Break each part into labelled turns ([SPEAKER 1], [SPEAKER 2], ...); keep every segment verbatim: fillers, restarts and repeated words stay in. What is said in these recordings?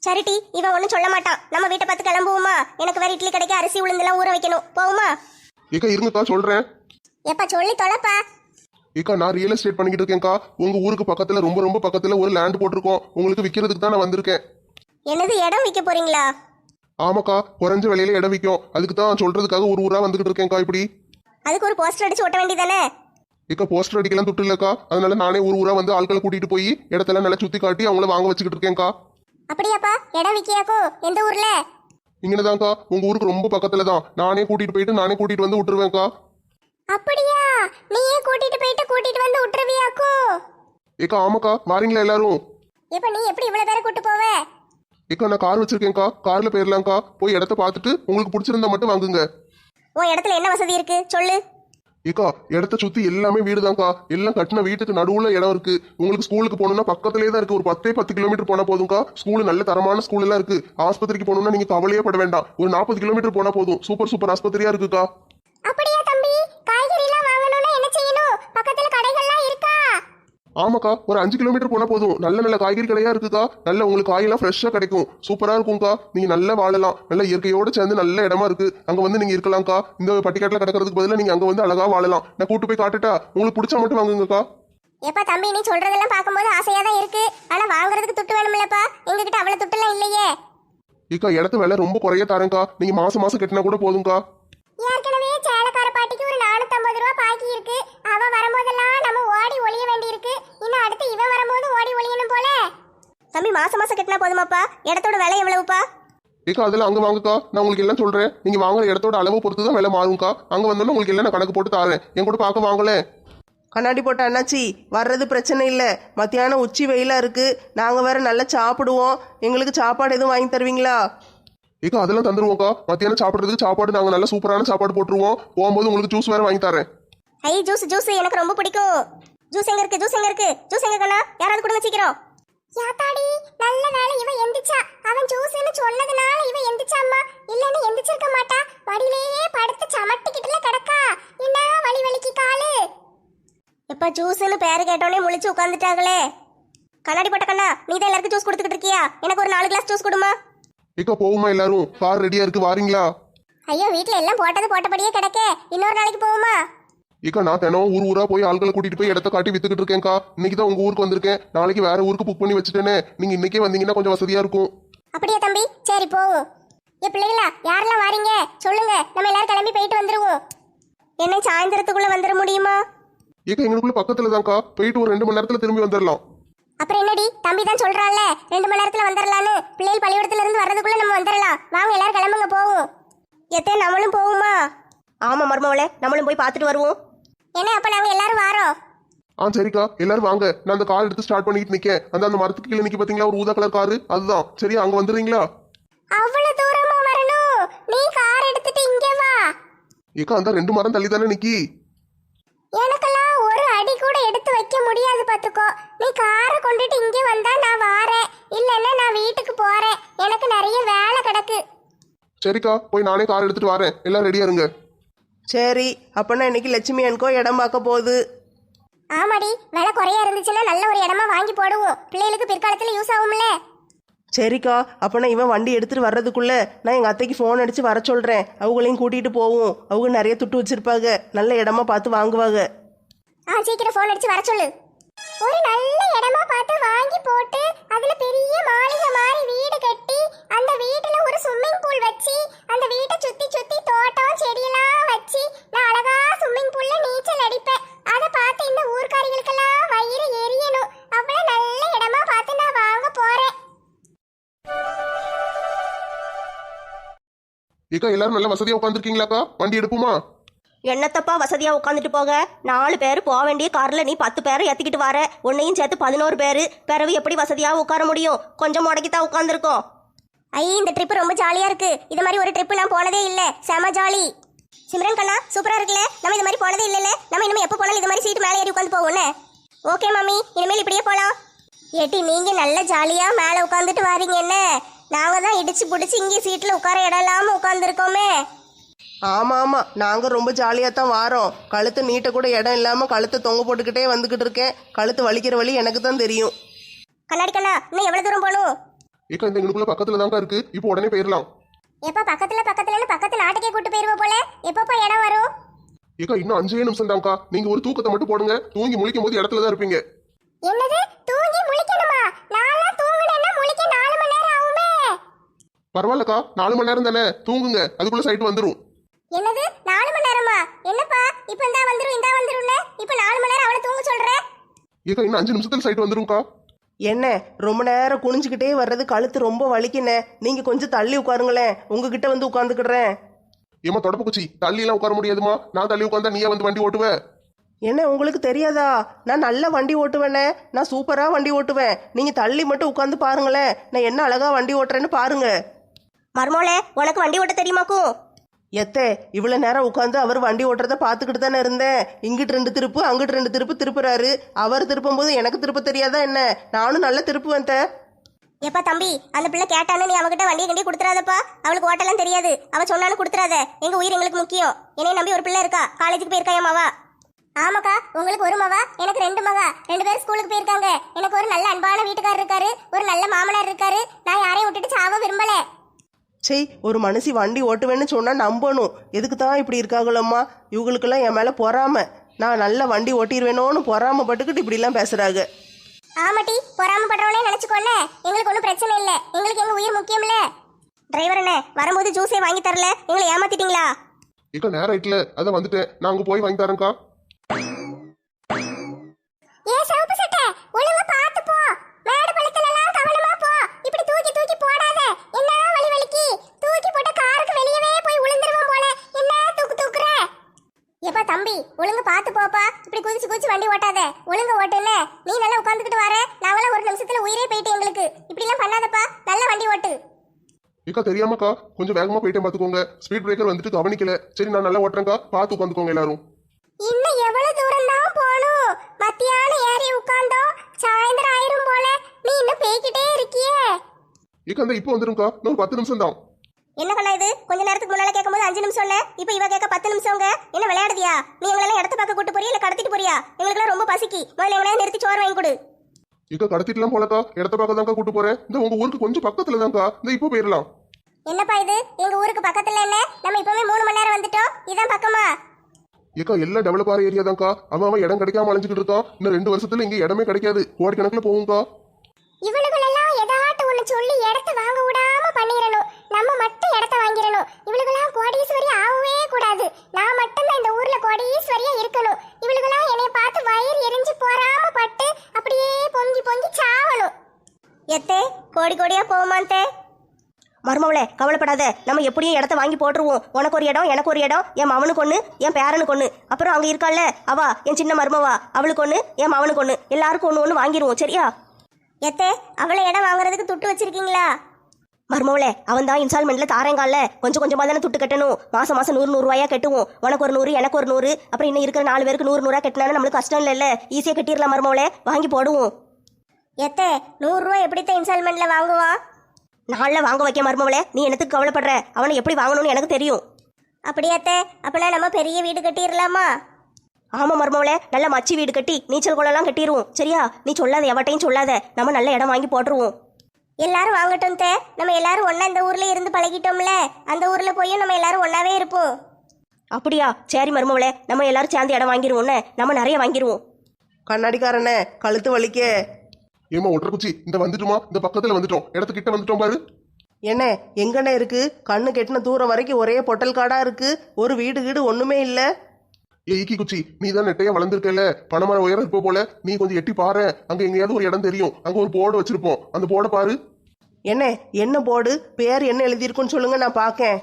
[SPEAKER 1] சரிட்டி, இவன் ஒன்றும் சொல்ல மாட்டான். நம்ம வீட்டை பார்த்து கிளம்புவோமா? எனக்கு வேற இட்லி கடைக்கு அரிசி உளுந்தெல்லாம் ஊற வைக்கணும். போகுமா?
[SPEAKER 2] ஏக்கா இருங்கக்கா சொல்றேன்.
[SPEAKER 1] எப்பா சொல்லி தொலைப்பா.
[SPEAKER 2] ஏக்கா நான் ரியல் எஸ்டேட் பண்ணிக்கிட்டு இருக்கேன்க்கா. உங்க ஊருக்கு பக்கத்துல ரொம்ப ரொம்ப பக்கத்துல ஒரு லேண்ட் போட்டிருக்கோம். உங்களுக்கு விற்கிறதுக்கு தான் நான் வந்திருக்கேன்.
[SPEAKER 1] என்னது, இடம் விற்க போறீங்களா?
[SPEAKER 2] ஆமாக்கா, குறைஞ்ச விலையில இடம் விற்கும். அதுக்கு தான் சொல்றதுக்காக ஒரு ஊரா வந்துகிட்டு இருக்கேன்க்கா. இப்படி
[SPEAKER 1] அதுக்கு ஒரு போஸ்டர் அடிச்சு ஒட்ட வேண்டியதானே?
[SPEAKER 2] ஏக்கா போஸ்டர் அடிக்கலாம் துட்டு இல்லக்கா. அதனால நானே ஒரு ஊரா வந்து ஆட்களை கூட்டிட்டு போய் இடத்தெல்லாம் நல்லா சுத்தி காட்டி அவங்கள வாங்க வச்சுக்கிட்டு இருக்கேன்க்கா.
[SPEAKER 1] அப்படியாப்பா? இடம் விற்கியாக்கோ? எந்த ஊர்ல?
[SPEAKER 2] இங்கனதான்க்கா, உங்க ஊருக்கு ரொம்ப பக்கத்துல தான். நானே கூட்டிட்டு போயிட்டு நானே கூட்டிட்டு வந்து விட்டுருவேன்க்கா.
[SPEAKER 1] அப்படியா? நீயே கூட்டிட்டு போயிட்டு கூட்டிட்டு வந்து விட்டுருவியாக்கோ?
[SPEAKER 2] ஏக்கா ஆமாக்கா, வாரீங்களா எல்லாரும்?
[SPEAKER 1] இப்ப நீ எப்படி இவ்வளவு பேரை கூட்டு போவ?
[SPEAKER 2] ஏக்கா நான் கார் வச்சிருக்கேன்க்கா. கார்ல போயிடலாம்க்கா. போய் இடத்த பார்த்துட்டு உங்களுக்கு பிடிச்சிருந்தா மட்டும் வாங்குங்க.
[SPEAKER 1] உன் இடத்துல என்ன வசதி இருக்கு சொல்லு.
[SPEAKER 2] ஏக்கா இடத்த சுத்தி எல்லாமே வீடுதான்க்கா. எல்லாம் கட்டின வீட்டுக்கு நடுவுல இடம் இருக்கு. உங்களுக்கு ஸ்கூலுக்கு போகணும்னா பக்கத்துலேயே தான் இருக்கு. ஒரு பத்தே பத்து கிலோமீட்டர் போனா போதும்க்கா. ஸ்கூல் நல்ல தரமான ஸ்கூல் எல்லாம் இருக்கு. ஆஸ்பத்திரிக்கு போகணும்னா நீங்க கவலையே பட வேண்டாம். ஒரு நாற்பது கிலோமீட்டர் போனா போதும். சூப்பர் சூப்பர் ஆஸ்பத்திரியா இருக்குக்கா.
[SPEAKER 1] அப்படியா தம்பி? காய்கறி எல்லாம் வாங்கணும்னா என்ன செய்யணும்? பக்கத்துல கடைகள்லாம் இருக்கா?
[SPEAKER 2] ஆமாக்கா, ஒரு அஞ்சு கிலோமீட்டர் போனா போதும். நல்ல நல்ல காய்கறி கடையா இருக்குக்கா. நல்ல உங்களுக்கு காயெல்லாம் ஃப்ரெஷ்ஷா கிடைக்கும். சூப்பரா இருக்கும்க்கா. நீங்க நல்லா வாழலாம். நல்ல இயற்கையோட சேர்ந்து நல்ல இடமா இருக்கு. அங்க வந்து நீங்க இருக்கலாம்க்கா. இந்த பட்டிக்காட்டுல கிடக்கிறதுக்கு பதிலா நீங்க அங்க வந்து அழகா வாழலாம். நான் கூட்டு போய் காட்டுட்டா? உங்களுக்கு பிடிச்சா மட்டும் வாங்குங்கக்கா.
[SPEAKER 1] ஏப்பா தம்பி, நீ சொல்றதெல்லாம் பார்க்கும்போது ஆசையா தான் இருக்கு. ஆனா வாங்குறதுக்கு துட்டு வேணும்லப்பா. எங்ககிட்ட அவ்வளவு துட்டு எல்லாம் இல்லையே.
[SPEAKER 2] ஏக்கா இடத்து வேலை ரொம்ப குறைய தரேன்க்கா. நீங்க மாசம் மாசம் கட்டினா கூட போதும்க்கா.
[SPEAKER 1] ஏற்கனவே சேலக்கார பாட்டிக்கு ஒரு நானூத்தி ஐம்பது ரூபா பாக்கி இருக்கு. அவ வரும்போதெல்லாம் நம்ம ஓடி ஒளிய வேண்டி இருக்கு. இன்னும் அடுத்து இவன் வரும்போது ஓடி ஒளியணும் போல. தம்பி மாசம் மாசம் கட்டினா போதுமாப்பா? இடத்தோட விலை எவ்வளவுப்பா?
[SPEAKER 2] ஏக்கா அதெல்லாம் அங்க வாங்குக்கா. நான் உங்களுக்கு எல்லாம் சொல்றேன். நீங்க வாங்குற இடத்தோட அளவு பொறுத்து தான் விலை மாறும்க்கா. அங்க வந்தோன்னா உங்களுக்கு எல்லாம் நான் கணக்கு போட்டு தாரேன். என் கூட பார்க்க வாங்கலே.
[SPEAKER 3] கண்ணாடி போட்ட அண்ணாச்சி வர்றது பிரச்சனை இல்லை. மத்தியானம் உச்சி வெயிலாக இருக்குது. நாங்கள் வேற நல்லா சாப்பிடுவோம். எங்களுக்கு சாப்பாடு எதுவும் வாங்கி தருவீங்களா?
[SPEAKER 2] ஏக்கா அதெல்லாம் தந்துருவோம்க்கா. மத்தியானம் சாப்பிட்றதுக்கு சாப்பாடு நாங்கள் நல்ல சூப்பரான சாப்பாடு போட்டுருவோம். போகும்போது உங்களுக்கு ஜூஸ் வேற வாங்கி தரேன்.
[SPEAKER 1] ஐ ஜூஸ் ஜூஸ் எனக்கு ரொம்ப பிடிக்கும். ஜூஸ் எங்க இருக்கு? ஜூஸ் எங்க இருக்கு? ஜூஸ் எங்க கண்ணா? யாராவது கொடுங்க சீக்கிரம். யாத்தாடி நல்ல வேளை இவ எந்திச்சா. அவன் ஜூஸ்னு சொன்னதுனால இவ எந்திச்சாம்மா. இல்லன்னு எந்திச்சிருக்க மாட்டா. வடியிலேயே படுத்து சமட்டிக்கிட்டுல கிடக்கா. என்ன வலி வலிக்கு காலு. எப்ப ஜூஸ்னு பேரு கேட்டோனே முழிச்சு உட்கார்ந்துட்டாங்களே. கண்ணாடி போட்ட கண்ணா, நீ தான் எல்லாருக்கும் ஜூஸ் கொடுத்துக்கிட்டு இருக்கியா? எனக்கு ஒரு நாலு கிளாஸ் ஜூஸ் கொடுமா.
[SPEAKER 2] ஏக்கா போகுமா எல்லாரும்? கார் ரெடியா இருக்கு, வாரீங்களா?
[SPEAKER 1] ஐயோ வீட்ல எல்லாம் போட்டது போட்டபடியே கிடக்கே. இன்னொரு நாளைக்கு போகுமா?
[SPEAKER 2] ஏக்கா நான் தினம் ஊர் ஊரா போய் ஆட்களை கூட்டிட்டு போய் இடத்த காட்டி வித்துக்கிட்டு இருக்கேன்க்கா. இன்னைக்கு தான் உங்க ஊருக்கு வந்திருக்கேன். நாளைக்கு வேற ஊருக்கு புக் பண்ணி வச்சுட்டேனே. நீங்க இன்னைக்கே வந்தீங்கன்னா கொஞ்சம் வசதியா இருக்கும்.
[SPEAKER 1] அப்படியே தம்பி, சரி போவோம். ஏ பிள்ளைகளா, யாரெல்லாம் வாரீங்க சொல்லுங்க. நம்ம எல்லாரும் கிளம்பி போயிட்டு வந்துருவோம். என்ன சாயந்தரத்துக்குள்ள வந்துட முடியுமா?
[SPEAKER 2] ஏக்கா எங்களுக்குள்ள பக்கத்துல தான்க்கா. போயிட்டு ஒரு ரெண்டு மணி நேரத்துல திரும்பி வந்துடலாம்.
[SPEAKER 1] அப்புறம் என்னடி, தம்பி தான் சொல்றான்ல ரெண்டு மணி நேரத்துல வந்துடலான்னு. பிள்ளைகள் பள்ளிக்கூடத்துல இருந்து வர்றதுக்குள்ள நம்ம வந்துடலாம். வாங்க எல்லாரும் கிளம்புங்க போவோம். எத்தனை நம்மளும் போவோமா?
[SPEAKER 3] ஆமாம் மருமவளே, நம்மளும் போய் பார்த்துட்டு வருவோம்.
[SPEAKER 1] என்ன அப்ப நாங்க எல்லாரும் வாரோம்.
[SPEAKER 2] ஆ சரிக்கா, எல்லாரும் வாங்க. நான் அந்த கார் எடுத்து ஸ்டார்ட் பண்ணிட்டு நிக்கேன். அந்த அந்த மரத்துக்கு கீழே நிக்க பாத்தீங்களா ஒரு ஊதா கலர் காரு? அதுதான். சரியா, அங்க வந்துடுறீங்களா?
[SPEAKER 1] அவ்வளவு தூரமா வரணும்? நீ கார் எடுத்துட்டு இங்க வா.
[SPEAKER 2] ஏக்கா அந்த ரெண்டு மரம் தள்ளி தானே நிக்கி.
[SPEAKER 1] எனக்கெல்லாம் ஒரு அடி கூட எடுத்து வைக்க முடியாது பாத்துக்கோ. நீ காரை கொண்டுட்டு இங்கே வந்தா நான் வாரேன். இல்லன்னா நான் வீட்டுக்கு போறேன். எனக்கு நிறைய வேலை கிடக்கு.
[SPEAKER 2] சரிக்கா, போய் நானே கார் எடுத்துட்டு வரேன். எல்லாம் ரெடியா இருங்க.
[SPEAKER 3] சரி, அப்போனா இன்னைக்கு லட்சுமி அன்கோ இடம் பார்க்க போகுது.
[SPEAKER 1] ஆமாடி, விலை குறையா இருந்துச்சுன்னா நல்ல ஒரு இடமா வாங்கி போடுவோம். பிள்ளைகளுக்கு பிற்காலத்துல யூஸ் ஆகும்ல.
[SPEAKER 3] சரிக்கா, அப்போனா இவன் வண்டி எடுத்துட்டு வர்றதுக்குள்ள நான் எங்கள் அத்தைக்கு ஃபோன் அடித்து வர சொல்கிறேன். அவங்களையும் கூட்டிகிட்டு போவோம். அவங்க நிறைய துட்டு வச்சிருப்பாங்க. நல்ல இடமா பார்த்து வாங்குவாங்க.
[SPEAKER 1] ஆ சீக்கிரம் ஃபோன் அடிச்சு வர சொல்லு. ஒரு நல்ல இடமா பார்த்து வாங்கி போட்டு அதுல பெரிய மாளிகை மாதிரி வீடு கட்டி அந்த வீட்டுல ஒரு ஸ்விம்மிங் பூல் வச்சு அந்த வீட்டை சுத்தி சுத்தி தோட்டம் செடியெல்லாம் வச்சு நான் அழகா ஸ்விம்மிங் பூல்ல நீச்சல் அடிப்பேன். அதை பார்த்து இந்த ஊர்க்காரிகளுக்கெல்லாம் வயிறு எரியணும். அவ்வளவு நல்ல இடமா பார்த்து நான் வாங்க போறேன்.
[SPEAKER 2] ஏக்கா எல்லாரும் நல்ல வசதியா உட்காந்துருக்கீங்களாக்கா? வண்டி எடுப்புமா?
[SPEAKER 4] என்னத்தப்பா வசதியா உட்காந்துட்டு போக. நாலு பேர் போக வேண்டிய கார்ல நீ பத்து பேரை ஏத்திக்கிட்டு வர. உன்னையும் சேர்த்து பதினோரு பேரு. பிறகு எப்படி வசதியா உட்கார முடியும்? கொஞ்சம் முடக்கித்தான் உட்காந்துருக்கோம்.
[SPEAKER 1] ஐ இந்த ட்ரிப் ரொம்ப ஜாலியா இருக்கு. இது மாதிரி ஒரு ட்ரிப் நான் போனதே இல்ல. செம ஜாலி. சிம்ரன் கண்ணா சூப்பரா இருக்குல்ல? நம்ம இது மாதிரி போனதே இல்லல. நம்ம இனிமே எப்போ போனாலும் இது மாதிரி சீட்டு மேலே ஏறி உட்காந்து போவோம்ல. ஓகே மாமி, இனிமேல் இப்படியே போலாம். ஏட்டி நீங்க நல்ல ஜாலியா மேலே உட்காந்துட்டு வாரீங்க. என்ன நாங்க தான் இடிச்சு பிடிச்சி இங்கே சீட்ல உட்கார இடம் இல்லாம உட்காந்துருக்கோமே.
[SPEAKER 3] ஆமாம் ஆமாம், நாங்கள் ரொம்ப ஜாலியாக தான் வாரோம். கழுத்து நீட்ட கூட இடம் இல்லாமல் கழுத்தை தொங்க போட்டுக்கிட்டே வந்துக்கிட்டு இருக்கேன். கழுத்து வலிக்கிற வழி எனக்கு தான் தெரியும்.
[SPEAKER 1] கண்ணாடி கண்ணா, இன்னும் எவ்வளவு தூரம் போகணும்?
[SPEAKER 2] ஏக்கா இந்த எங்களுக்குள்ள பக்கத்துல தான்க்கா இருக்கு, இப்போ உடனே போயிடலாம்.
[SPEAKER 1] எப்ப பக்கத்துல பக்கத்துலன்னு பக்கத்து நாட்டுக்கே கூட்டு போயிருவோம் போல. எப்பப்பா இடம் வரும்?
[SPEAKER 2] ஏக்கா இன்னும் அஞ்சே நிமிஷம் தான்க்கா, நீங்க ஒரு தூக்கத்தை மட்டும் போடுங்க, தூங்கி முழிக்கும் போது இடத்துல தான் இருப்பீங்க.
[SPEAKER 1] என்னது தூங்கி முழிக்கணுமா? நான்லாம் தூங்குனேன்னா முழிக்க நாலு மணி நேரம் ஆகுமே.
[SPEAKER 2] பரவாயில்லக்கா, நாலு மணி நேரம் தானே, தூங்குங்க, அதுக்குள்ள சைட் வந்துரும்.
[SPEAKER 1] என்னது நாலு மணி நேரமா? என்னப்பா இப்ப இந்தா வந்துரும் இந்தா வந்துரும்னு இப்ப நாலு மணி நேரம் அவளை தூங்க சொல்ற?
[SPEAKER 2] ஏக்கா இன்னும் அஞ்சு நிமிஷத்துல சைட் வந்துரும்க்கா.
[SPEAKER 3] என்ன ரொம்ப நேரம் குனிஞ்சுக்கிட்டே வர்றது கழுத்து ரொம்ப வலிக்குண்ணே, நீங்க கொஞ்சம் தள்ளி உட்காருங்களேன், உங்ககிட்ட வந்து உட்காந்துக்கிடுறேன்.
[SPEAKER 2] ஏமா தொடப்பு குச்சி, தள்ளி எல்லாம் உட்கார முடியாதுமா, நான் தள்ளி உட்காந்தா நீயே வந்து வண்டி ஓட்டுவ.
[SPEAKER 3] என்ன உங்களுக்கு தெரியாதா? நான் நல்லா வண்டி ஓட்டுவேனே, நான் சூப்பராக வண்டி ஓட்டுவேன். நீங்க தள்ளி மட்டும் உட்காந்து பாருங்களேன், நான் என்ன அழகா வண்டி ஓட்டுறேன்னு பாருங்க.
[SPEAKER 4] மருமோளே, உனக்கு வண்டி ஓட்ட தெரியுமாக்கும்?
[SPEAKER 3] எத்தே இவ்வளோ நேரம் உட்காந்து அவர் வண்டி ஓட்டுறத பார்த்துக்கிட்டு தானே இருந்தேன். இங்கிட்டு ரெண்டு திருப்பு அங்கிட்டு ரெண்டு திருப்பு திருப்புறாரு. அவர் திருப்பும் போது எனக்கு திருப்ப தெரியாதா என்ன? நானும் நல்லா திருப்புவேன் தே.
[SPEAKER 1] எப்பா தம்பி, அந்த பிள்ளை கேட்டானு நீ அவகிட்ட வண்டியை கண்டி கொடுத்துறாதப்பா. அவளுக்கு ஓட்டெல்லாம் தெரியாது, அவ சொன்னாலும் கொடுத்துறாத. எங்க உயிர் எங்களுக்கு முக்கியம். என்னைய நம்பி ஒரு பிள்ளை இருக்கா, காலேஜுக்கு போயிருக்கா என் மவா. ஆமாக்கா, உங்களுக்கு ஒரு மவா, எனக்கு ரெண்டு மகா. ரெண்டு பேரும் ஸ்கூலுக்கு போயிருக்காங்க. எனக்கு ஒரு நல்ல அன்பான வீட்டுக்காரர் இருக்காரு, ஒரு நல்ல மாமனார் இருக்காரு. நான் யாரையும் விட்டுட்டு சாவ விரும்பல.
[SPEAKER 3] சரி, ஒரு மனுஷி வண்டி ஓட்டுவேன்னு சொன்னா நம்பணும். எதுக்கு தான் இப்படி இருக்காங்களம்மா? இவங்களுக்கெல்லாம் என் மேல பொறாம. நான் நல்லா வண்டி ஓட்டிடுவேணும்னு பொறாமப்பட்டுக்கிட்டு இப்படிலாம் பேசுறாங்க.
[SPEAKER 1] ஆமாட்டி, பொறாமப்படுறவனே நினைச்சுக்கோல, எங்களுக்கு ஒன்றும் பிரச்சனை இல்லை. எங்களுக்கு எங்க உயிர் முக்கியம் இல்ல.
[SPEAKER 4] டிரைவர் அண்ணே, வரும்போது ஜூஸே வாங்கி தரல, எங்களை ஏமாத்திட்டீங்களா?
[SPEAKER 2] ஏக்கா நேரம் ஆயிட்டுல, அதான் வந்துட்டேன், நான் அங்க போய் வாங்கி தரேன்க்கா.
[SPEAKER 1] ஏ சவுப்பு சட்டை, ஒழுங்கா பார்த்து போ. மேடு பள்ளத்துல எல்லாம் கவனமா போ. இப்படி தூக்கி தூக்கி போடாத. என்ன வலி வலிக்கு? தூக்கி போட்ட காருக்கு வெளியவே போய் விழுந்துருவோம் போல. என்ன தூக்கு தூக்குற? ஏப்பா தம்பி, ஒழுங்கா பார்த்து போப்பா. இப்படி குதிச்சு குதிச்சு வண்டி ஓட்டாத. ஒழுங்கா ஓட்டுல. நீ நல்லா உட்கார்ந்துக்கிட்டு வர, நாங்களாம் ஒரு நிமிஷத்துல உயிரே போயிட்டு எங்களுக்கு. இப்படி எல்லாம் பண்ணாதப்பா, நல்ல வண்டி ஓட்டு.
[SPEAKER 2] ஏக்கா தெரியாமக்கா, கொஞ்சம் வேகமா போயிட்டேன் பாத்துக்கோங்க. ஸ்பீட் பிரேக்கர் வந்துட்டு கவனிக்கல. சரி நான் நல்லா ஓட்டுறேன்க்கா, பார்த்து உட்காந்துக்கோங்க எல்லாரும்.
[SPEAKER 1] இன்னும் எவ்வளவு தூரம் தான் போகணும்? மத்தியானம் ஏறி உட்கார்ந்தோம், சாயந்தரம் ஆயிரும் போல. நீ இன்னும் பேய்கிட்டே இருக்கியே.
[SPEAKER 2] ஏக்கா இந்த இப்போ வந்துரும்க்கா, இன்னும் பத்து நிமிஷம் தான்.
[SPEAKER 4] என்ன கண்ணா இது? கொஞ்ச நேரத்துக்கு முன்னால கேட்கும்போது அஞ்சு நிமிஷம் இப்ப இவ கேட்க பத்து நிமிஷங்க. என்ன விளையாடுதியா? நீ எங்களெல்லாம் இடத்த பார்க்க கூட்டு போறியா இல்ல கடத்திட்டு போறியா? எங்களுக்குலாம் ரொம்ப பசிக்கு, முதல்ல எங்களையா நிறுத்தி சோறு வாங்கி கொடு.
[SPEAKER 2] ஏக்கா கடத்திட்டுலாம் போலக்கா, இடத்த பார்க்க தான்க்கா கூட்டு போறேன். இந்த உங்க ஊருக்கு கொஞ்சம் பக்கத்துல தான்க்கா, இந்த இப்போ போயிடலாம்.
[SPEAKER 1] என்னப்பா இது? எங்க ஊருக்கு பக்கத்துல என்ன? நம்ம இப்பவே மூணு மணி நேரம் வந்துட்டோம். இதான் பக்கமா?
[SPEAKER 2] ஏக்கா எல்லாம் டெவலப் ஆகிற ஏரியா தான்க்கா. அவன் அவன் இடம் கிடைக்காம அலைஞ்சிட்டு இருக்கான். இன்னும் ரெண்டு வருஷத்துல இங்க இடமே கிடைக்காது, கோடிக்கணக்கில் போகும்க்கா.
[SPEAKER 1] இவளுகளெல்லாம் எதாட்டு ஒண்ணு சொல்லி இடத்த வாங்க விடாம பண்ணிரணும். நம்ம மட்டும் இடத்த வாங்கிரணும். இவளுகெல்லாம் கோடீஸ்வரி ஆகவே கூடாது. நான் மட்டும் தான் இந்த ஊர்ல கோடீஸ்வரியா இருக்கணும். இவளுகெல்லாம் என்னைய பார்த்து வயிறு எரிஞ்சு போறாம பட்டு அப்படியே பொங்கி பொங்கி சாவணும்.
[SPEAKER 4] எத்தே கோடி கோடியா போகுமாந்தே? மருமவளே கவலைப்படாத, நம்ம எப்படியும் இடத்த வாங்கி போட்டுருவோம். உனக்கு ஒரு இடம், எனக்கு ஒரு இடம், என் மவனுக்கு ஒன்று, என் பேரனுக்கு ஒன்று, அப்புறம் அங்கே இருக்கால அவா என் சின்ன மருமவா, அவளுக்கு ஒன்று, என் மவனுக்கு ஒன்று, எல்லாருக்கும் ஒன்று ஒன்று வாங்கிடுவோம். சரியா?
[SPEAKER 1] எத்தே அவளை இடம் வாங்குறதுக்கு துட்டு வச்சிருக்கீங்களா?
[SPEAKER 4] மருமவளே அவன் தான் இன்ஸ்டால்மெண்ட்ல தாரேங்கால, கொஞ்சம் கொஞ்சமா தானே துட்டு கட்டணும். மாசம் மாசம் நூறு நூறுவாயா கட்டுவோம். உனக்கு ஒரு நூறு, எனக்கு ஒரு நூறு, அப்புறம் இன்னும் இருக்கிற நாலு பேருக்கு நூறு நூறா கட்டினாலும் நம்மளுக்கு கஷ்டம் இல்லைல்ல, ஈஸியா கட்டிடலாம். மருமவளே வாங்கி போடுவோம்.
[SPEAKER 1] எத்தே நூறு ரூபாய் எப்படித்தான் இன்ஸ்டால்மெண்ட்ல வாங்குவான்?
[SPEAKER 4] நாளில் வாங்க வைக்க மருமவளே, நீ என்னத்துக்கு கவலைப்படுற? அவனை எப்படி வாங்கணும்னு எனக்கு தெரியும்.
[SPEAKER 1] அப்படியாத்தே, அப்பனா நம்ம பெரிய வீடு கட்டிடலாமா?
[SPEAKER 4] ஆமா மருமவளே, நல்ல மச்சி வீடு கட்டி நீச்சல் குளம்லாம் கட்டிடுவோம். சரியா? நீ சொல்லாத, எவட்டையும் சொல்லாத, நம்ம நல்ல இடம் வாங்கி போட்டுருவோம்.
[SPEAKER 1] எல்லாரும் வாங்கட்டும் தே. நம்ம எல்லாரும் ஒண்ணா இந்த ஊர்ல இருந்து பழகிட்டோம்ல, அந்த ஊர்ல போய் நம்ம எல்லாரும் ஒன்னாவே இருப்போம்.
[SPEAKER 4] அப்படியா? சரி மருமவளே, நம்ம எல்லாரும் சேர்ந்து இடம் வாங்கிடுவோம்னே, நம்ம நிறைய வாங்கிடுவோம்.
[SPEAKER 3] கண்ணாடிக்காரனே கழுத்து வலிக்க.
[SPEAKER 2] ஏமா ஒற்றை குச்சி, இந்த வந்துட்டுமா, இந்த பக்கத்துல வந்துட்டோம், இடத்துக்கிட்ட வந்துட்டோம் பாரு.
[SPEAKER 3] என்ன எங்கண்ணே இருக்கு? கண்ணு கெட்டின தூரம் வரைக்கும் ஒரே பொட்டல் காடா இருக்கு, ஒரு வீடு வீடு ஒண்ணுமே இல்ல.
[SPEAKER 2] ஏ ஈக்கி குச்சி, நீ தான் நெட்டையா வளர்ந்துருக்கல, பணமர உயரம் இருப்ப போல, நீ கொஞ்சம் எட்டி பாரு. அங்க எங்கேயாவது ஒரு இடம் தெரியும், அங்க ஒரு போர்டு வச்சிருப்போம், அந்த போர்டை பாரு.
[SPEAKER 3] என்ன என்ன போர்டு? பேர் என்ன எழுதியிருக்குன்னு சொல்லுங்க, நான் பாக்கேன்.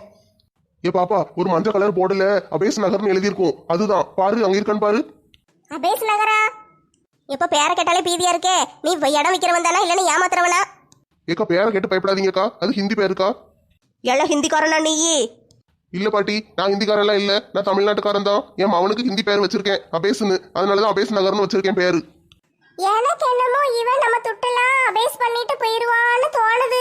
[SPEAKER 2] ஏ பாப்பா, ஒரு மஞ்சள் கலர் போர்டுல அபேஸ் நகர்னு எழுதியிருக்கும், அதுதான் பாரு, அங்க இருக்கான்னு பாரு.
[SPEAKER 1] அபேஸ் நகரா?
[SPEAKER 4] இப்ப பேரை கேட்டாலே பீதியா இருக்கே. நீ இடம் விற்கிறவன் தானா இல்லன்னு ஏமாத்துறவனா?
[SPEAKER 2] ஏக்கா பேரை கேட்டு பயப்படாதீங்கக்கா, அது ஹிந்தி பேருக்கா.
[SPEAKER 4] எல்லாம் ஹிந்திக்காரனா நீ?
[SPEAKER 2] இல்ல பாட்டி, நான் ஹிந்திக்காரெல்லாம் இல்ல, நான் தமிழ்நாட்டுக்காரன் தான். என் அவனுக்கு ஹிந்தி பேர் வச்சிருக்கேன் அபேஸ்னு, அதனாலதான் அபேஸ் நகர்னு வச்சிருக்கேன் பேரு.
[SPEAKER 1] எனக்கு என்னமோ இவன் நம்ம துட்டெல்லாம் அபேஸ் பண்ணிட்டு போயிருவான்னு தோணுது.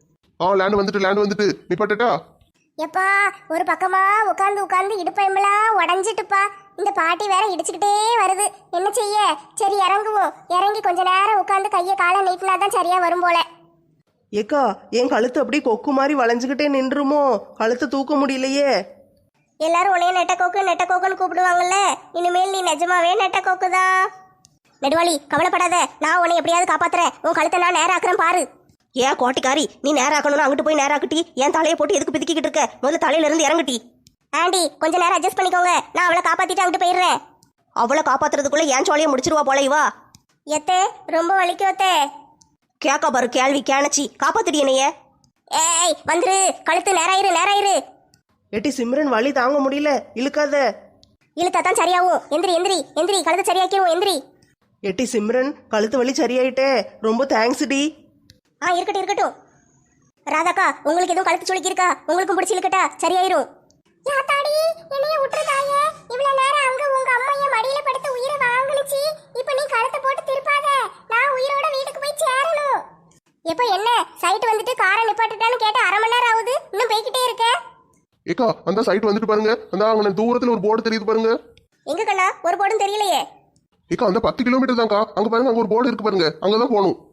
[SPEAKER 2] ஆ லேண்ட் வந்துட்டு லேண்ட் வந்துட்டு நிப்பாட்டா.
[SPEAKER 1] எப்பா ஒரு பக்கமா உட்காந்து உட்காந்து இடுப்பயம்பெல்லாம் உடஞ்சிட்டுப்பா. இந்த பாட்டி வேற இடிச்சுக்கிட்டே வருது, என்ன செய்ய? சரி இறங்குவோம். இறங்கி கொஞ்ச நேரம் உட்காந்து கையை காலை நீட்டினாதான் சரியா வரும் போல.
[SPEAKER 3] ஏக்கா என் கழுத்து அப்படியே கொக்கு மாதிரி வளைஞ்சுக்கிட்டே நின்றுமோ? கழுத்தை தூக்க முடியலையே.
[SPEAKER 1] எல்லாரும் உன்னைய நெட்டக்கோக்கு நெட்டக்கோக்குன்னு கூப்பிடுவாங்கல்ல, இனிமேல் நீ நிஜமாவே நெட்டக்கோக்கு தான். நெடுவாளி கவலைப்படாத, நான் உன்னை எப்படியாவது காப்பாத்துறேன். உன் கழுத்தை நான் நேரம் ஆக்குறேன் பாரு.
[SPEAKER 4] ஏன் கோட்டிக்காரி, நீ நேராக்கணும்னு அங்கிட்டு போய் நேராக்கட்டி என் தலையை போட்டு எதுக்கு பிதிக்கிட்டு இருக்க? முதல்ல தலையில இருந்து இறங்குட்டி.
[SPEAKER 1] ஆண்டி கொஞ்ச நேரம் அட்ஜஸ்ட் பண்ணிக்கோங்க, நான் அவளை காப்பாத்திட்டு அங்கிட்டு போயிடுறேன்.
[SPEAKER 4] அவளை காப்பாத்துறதுக்குள்ள ஏன் சோழியை முடிச்சிருவா போல இவா.
[SPEAKER 1] எத்தே ரொம்ப வலிக்கும் அத்தே.
[SPEAKER 4] கேக்கா பாரு கேள்வி கேணச்சி, காப்பாத்துடி என்னைய.
[SPEAKER 1] ஏய் வந்துரு, கழுத்து நேராயிரு நேராயிரு.
[SPEAKER 3] எட்டி சிம்ரன் வலி தாங்க முடியல, இழுக்காத.
[SPEAKER 1] இழுத்தா தான் சரியாகும். எந்திரி எந்திரி எந்திரி, கழுத்தை சரியாக்கிடுவோம் எந்திரி.
[SPEAKER 3] எட்டி சிம்ரன் கழுத்து வலி சரியாயிட்டே, ரொம்ப தேங்க்ஸ் டி.
[SPEAKER 1] ஆ இருக்கட்டும் இருக்கட்டும். ராதாக்கா உங்களுக்கு எதுவும் கழுத்து சுளுக்கி இருக்கா? உங்களுக்கும் பிடிச்சி இழுக்கட்டா? சரியாயிரும். யாத்தாடி என்னைய விட்டுறதாயே, இவ்வளவு நேரம் அங்க உங்க அம்மா என் மடியில படுத்து உயிரை வாங்குனுச்சு. இப்போ நீ கழுத்தை போட்டு திருப்பாத, நான் உயிரோட வீட்டுக்கு போய் சேரணும். எப்போ என்ன சைட் வந்துட்டு காரை நிப்பாட்டுட்டான்னு கேட்டு அரை மணி நேரம் ஆகுது, இன்னும் போய்கிட்டே இருக்க.
[SPEAKER 2] ஏக்கா அந்த சைட் வந்துட்டு பாருங்க, அந்த அங்கே தூரத்துல ஒரு போர்டு தெரியுது பாருங்க.
[SPEAKER 1] எங்க கண்ணா ஒரு போடும் தெரியலையே.
[SPEAKER 2] ஏக்கா அந்த பத்து கிலோமீட்டர் தான்க்கா, அங்க பாருங்க அங்க ஒரு போர்டு இருக்கு பாருங்க, அங்கதான் போகணும்.